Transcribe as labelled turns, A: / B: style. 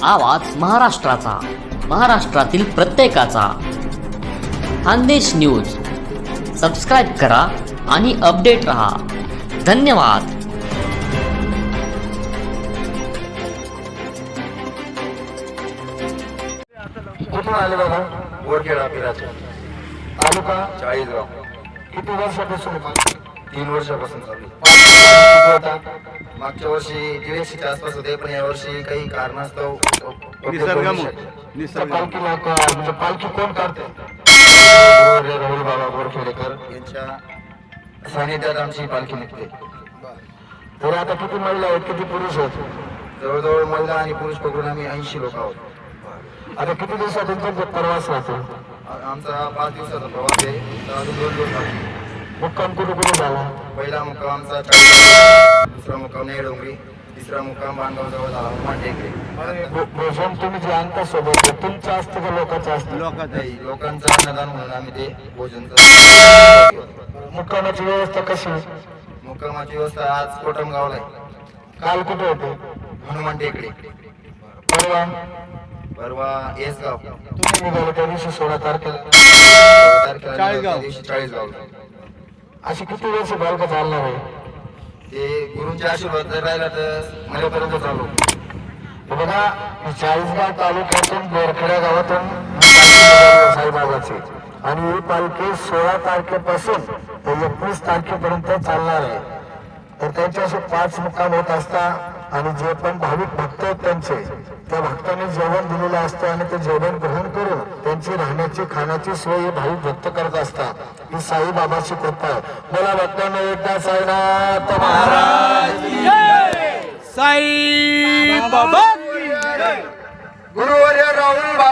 A: आवाज महाराष्ट्राचा, महाराष्ट्रातील प्रत्येकाचा. खानदेश न्यूज सबस्क्राईब करा आणि अपडेट रहा. धन्यवाद.
B: कुठून आले बाबा?
C: बोरखेडा पिराचे
B: तालुका
C: 40
B: किती वर्षापासून?
C: 3 वर्षापासून चालू.
B: किती होता?
C: मागच्या वर्षी 150च्या आसपास होते, पण या वर्षी काही कारणास्तव
B: पालखीला म्हणजे पालखी कोण काढते? राहुल बाबा बोरखेडेकर
C: यांच्या सानिध्यात आमची पालखी निघते.
B: तर आता किती महिला आहेत, किती पुरुष आहेत?
C: जवळजवळ महिला आणि पुरुष पकडून आम्ही 80 लोक आहोत.
B: आता किती दिवसात तुमचा प्रवास राहतो?
C: आमचा 5 दिवसाचा प्रवास आहे. तर अजून 2 दिवस बाकी.
B: मुक्काम कुठे कुठे झाला?
C: पहिला मुक्काम आमचा 40, दुसरा मुक्काम नेडोंगरी, तिसरा मुक्काम बांधगाव जवळ झाला हनुमान टेकडी.
B: भोजन तुम्ही जे आणता सोबत तुमचं असतं का लोकांचं असतं?
C: नाही, लोकांचं अन्नदान म्हणून आम्ही ते भोजनचं.
B: मुक्कामाची व्यवस्था कशी?
C: मुक्कामाची व्यवस्था आज कोटमगावला आहे.
B: काल कुठे होते?
C: हनुमान टेकडी.
B: परवा
C: परवा येसगाव.
B: तुम्ही निघाले त्या दिवशी 16 तारखेला.
C: 16 तारखेला त्या दिवशी 40 गावला.
B: अशी किती वर्ष बालका चालणार आहे?
C: ते गुरुंचे आशीर्वाद जर राहिला तर माझ्यापर्यंत चालू.
B: बघा, 40गाव तालुक्यातून बोरखेडा गावातून साईबाबाची आणि ही पालखी 16 तारखेपासून ते 21 तारखेपर्यंत चालणार आहे. तर त्यांचे असे 5 मुक्काम होत असतात आणि जे पण भाविक भक्त आहेत त्यांचे, त्या भक्तांनी जेवण दिलेलं असतं आणि ते जेवण ग्रहण करून त्यांची राहण्याची खाण्याची सोय हे भाविक भक्त करत असतात. ही साईबाबाची कृपा आहे. बोला भक्तांना एकदा साईनाथ महाराज
D: साई बाबा
C: गुरुवर्य राहुल